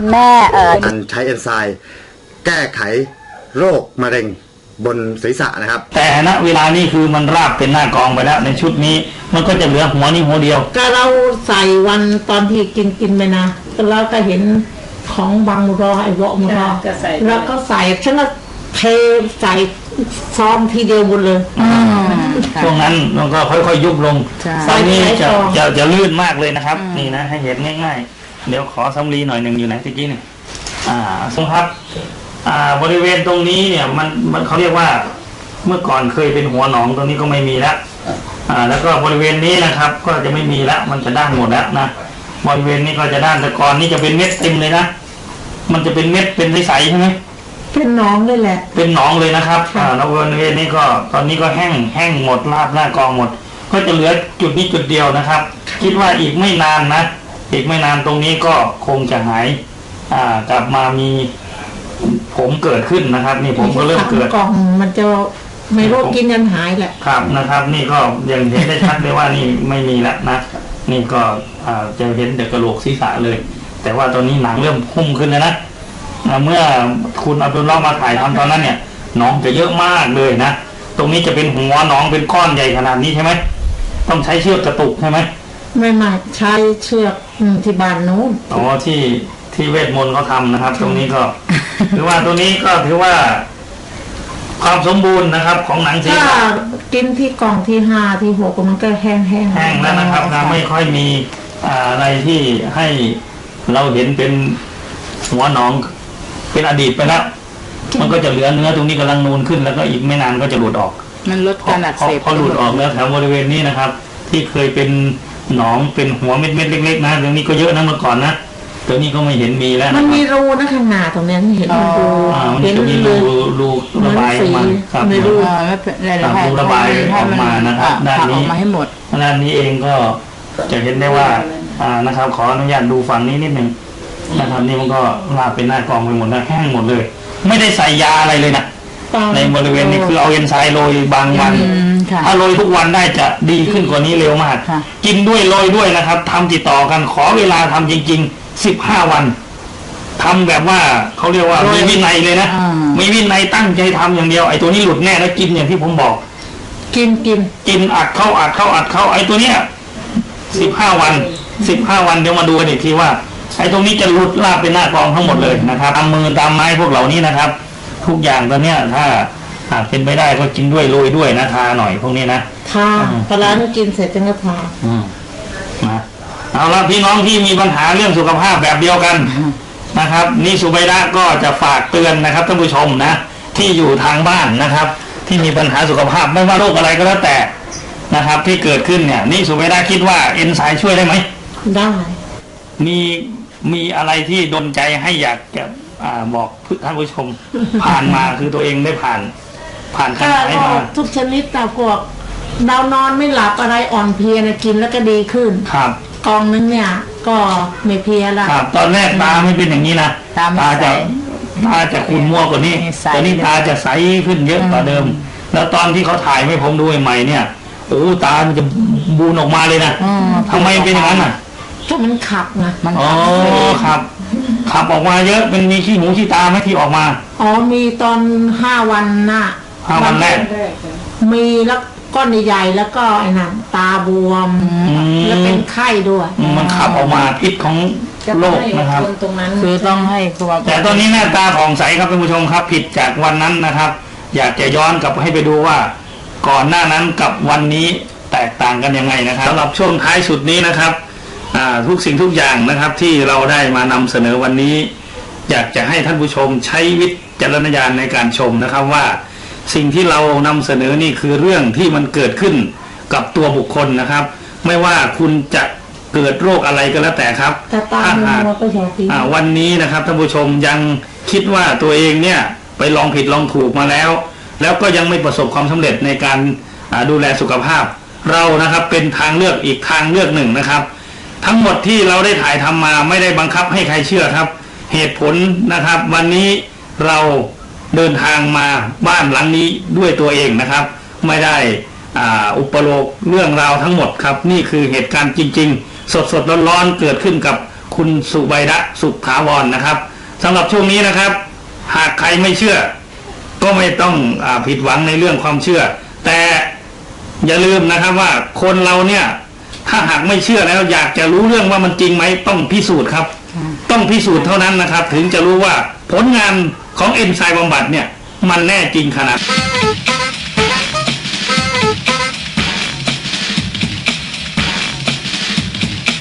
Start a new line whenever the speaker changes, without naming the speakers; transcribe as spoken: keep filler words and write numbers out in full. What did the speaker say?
แม่เอ่อ
การใช้เอนไซม์แก้ไขโรคมะเร็งบนศีรษะนะครับ
แต่ณเวลานี้คือมันราบเป็นหน้ากองไปแล้วในชุดนี้มันก็จะเหลือหัวนี้หัวเดียว
ก็เราใส่วันตอนที่กินกินไปนะแล้วก็เห็นของบางรอไอ้วอมรอแล้วก็ใส่ฉันก็เทใส่ซ้อมทีเดียวหมดเลย
ช่วงนั้นมันก็ค่อยๆยุบลงตอนนี้จะจะจะลื่นมากเลยนะครับนี่นะให้เห็นง่ายๆเดี๋ยวขอสำลีหน่อยหนึ่งอยู่ไหนตะกี้นี่อ่าสมครับอ่าบริเวณตรงนี้เนี่ยมันมันเขาเรียกว่าเมื่อก่อนเคยเป็นหัวหนองตรงนี้ก็ไม่มีแล้วอ่าแล้วก็บริเวณนี้นะครับก็จะไม่มีแล้วมันจะด้านหมดแล้วนะบริเวณนี้ก็จะด้านแต่ก่อนนี่จะเป็นเม็ดเต็มเลยนะมันจะเป็นเม็ดเป็นใสๆใช่ไหม
เป็นหนองเลยแหละ
เป็นหนองเลยนะครับอ่าแล้วบริเวณนี้ก็ตอนนี้ก็แห้งแห้งหมดราบหน้ากองหมดก็จะเหลือจุดนี้จุดเดียวนะครับคิดว่าอีกไม่นานนะอีกไม่นานตรงนี้ก็คงจะหายอ่ากลับมามีผมเกิดขึ้นนะครับนี่ผมก็เริ่มเกิด
กองมันจะไม่รู้กินยันหายแหละ
ครับนะครับนี่ก็ยังเห็นได้ชัดเลยว่านี่ไม่มีแล้วนะนี่ก็จะเห็นแต่กระโหลกศีรษะเลยแต่ว่าตอนนี้หนังเริ่มพุ่งขึ้นแล้วนะเมื่อคุณเอาตัวล้อมาถ่ายทำตอนนั้นเนี่ยน้องจะเยอะมากเลยนะตรงนี้จะเป็นหัวน้องเป็นก้อนใหญ่ขนาดนี้ใช่ไหมต้องใช้เชือกกระตุกใช่ไหม
ไม่ไม่ใช้เชือกที่บ้านนู้น
อ๋อที่ที่เวทมนต์เขาทำนะครับตรงนี้ก็ถือว่าตัวนี้ก็ถือว่าความสมบูรณ์นะครับของหนังศีรษะ
กินที่กล่องที่ห้าที่หกมันก็แห้งแห้ง
แห้งแล้วนะครับนะไม่ค่อยมีอะไรที่ให้เราเห็นเป็นหัวหนองเป็นอดีตไปแล้วมันก็จะเหลือเนื้อตรงนี้กำลังนูนขึ้นแล้วก็อีกไม่นานก็จะหลุดออก
มันลดการอักเสบ
พอหลุดออกแล้วแถวบริเวณนี้นะครับที่เคยเป็นหนองเป็นหัวเม็ดเม็ดเล็กๆนะตรงนี้ก็เยอะนะเมื่อก่อนนะตัวนี้ก็ไม่เห็นมีแล้ว
มันมีรูนะข้างหน้าตรงนี้เห็นรู
เห็นรูรูระบายออกมาครับ
รู
รูระบายออกมานะครับด้านนี้ด้านนี้เองก็จะเห็นได้ว่านะครับขออนุญาตดูฝั่งนี้นิดหนึ่งนะครับนี่มันก็ลาเป็นหน้ากองไปหมดแล้วแห้งหมดเลยไม่ได้ใส่ยาอะไรเลยนะในบริเวณนี้คือเอาเอนไซม์โรยบางวันถ้าโรยทุกวันได้จะดีขึ้นกว่านี้เร็วมากกินด้วยโรยด้วยนะครับทำติดต่อกันขอเวลาทำจริงๆสิบห้าวันทำแบบว่าเขาเรียกว่ามีวินัยเลยนะมีวินัยตั้งใจทำอย่างเดียวไอ้ตัวนี้หลุดแน่แล้วกินอย่างที่ผมบอก
กินกิน
กินอัดเข้าอัดเข้าอัดเข้าไอ้ตัวเนี้ยสิบห้าวันสิบห้าวันเดี๋ยวมาดูกันอีกทีว่าไอ้ตรงนี้จะหลุดลาบเป็นหน้ากองทั้งหมดเลยนะครับตามมือตามไม้พวกเหล่านี้นะครับทุกอย่างตอนเนี้ยถ้าหากเป็นไปได้ก็กินด้วยโรยด้วยนะทาหน่อยพวกนี้นะ
ทาปลาที่กินเสร็จจึงจะทา
อืมนะเอาละพี่น้องที่มีปัญหาเรื่องสุขภาพแบบเดียวกันนะครับนี่สุไบดะก็จะฝากเตือนนะครับท่านผู้ชมนะที่อยู่ทางบ้านนะครับที่มีปัญหาสุขภาพไม่ว่าโรคอะไรก็แล้วแต่นะครับที่เกิดขึ้นเนี่ยนี่สุไบดะคิดว่าเอนไซม์ช่วยได้ไหม
ได้
มีมีอะไรที่ดลใจให้อยากจะบอกท่านผู้ชมผ่านมาคือตัวเองได้ผ่านผ่านการใช้มา
ทุกชนิดแต่พวกเรานอนไม่หลับอะไรอ่อนเพลียนะกินแล้วก็ดีขึ้น
ครับ
กองนึงเนี่ยก็ไม่เพลียละ
ครับตอนแรกตาไม่เป็นอย่างนี้นะตาจะตาจะขุ่นมัวกว่านี้ตอนนี้ตาจะใสขึ้นเยอะกว่าเดิมแล้วตอนที่เขาถ่ายให้ผมดูใหม่เนี่ยโอ้ตามันจะบูนออกมาเลยนะทำไมเป็นอย่างนั้นอ่ะ
ก็มันขับนะ
มันอ๋อครับขับออกมาเยอะเป็นมีขี้หูขี้ตาไหมที่ออกมา
อ๋อมีตอนห้าวันน่ะ
ห้าวันแรก
มีแล้วก้อนใหญ่แล้วก็ไอ้นั่นตาบวมแล้วเป็นไข้ด้วย
มันขับออกมาพิษของโรคนะครับ
คือต้องให้
แต่ตอนนี้หน้าตาผ่องใสครับท่านผู้ชมครับผิดจากวันนั้นนะครับ อยากจะย้อนกลับให้ไปดูว่าก่อนหน้านั้นกับวันนี้แตกต่างกันยังไงนะครับสำหรับช่วงท้ายสุดนี้นะครับทุกสิ่งทุกอย่างนะครับที่เราได้มานำเสนอวันนี้อยากจะให้ท่านผู้ชมใช้วิจารณญาณในการชมนะครับว่าสิ่งที่เรานำเสนอนี่คือเรื่องที่มันเกิดขึ้นกับตัวบุคคลนะครับไม่ว่าคุณจะเกิดโรคอะไรก็แล้วแต่ครับ
ถ้าหาก
วันนี้นะครับท่านผู้ชมยังคิดว่าตัวเองเนี่ยไปลองผิดลองถูกมาแล้วแล้วก็ยังไม่ประสบความสำเร็จในการดูแลสุขภาพเรานะครับเป็นทางเลือกอีกทางเลือกหนึ่งนะครับทั้งหมดที่เราได้ถ่ายทำมาไม่ได้บังคับให้ใครเชื่อครับเหตุผลนะครับวันนี้เราเดินทางมาบ้านหลังนี้ด้วยตัวเองนะครับไม่ได้อุปโลกเรื่องราวทั้งหมดครับนี่คือเหตุการณ์จริงๆสดๆร้อนๆเกิดขึ้นกับคคุณสุไบดะสุขถาวรนะครับสำหรับช่วงนี้นะครับ หากใครไม่เชื่อก็ไม่ต้องอ่าผิดหวังในเรื่องความเชื่อ แต่อย่าลืมนะครับว่าคนเราเนี่ยถ้าหากไม่เชื่อแล้วอยากจะรู้เรื่องว่ามันจริงไหมต้องพิสูจน์ครับต้องพิสูจน์เท่านั้นนะครับถึงจะรู้ว่าผลงานของเอนไซม์บำบัดเนี่ยมันแน่จริงขนาด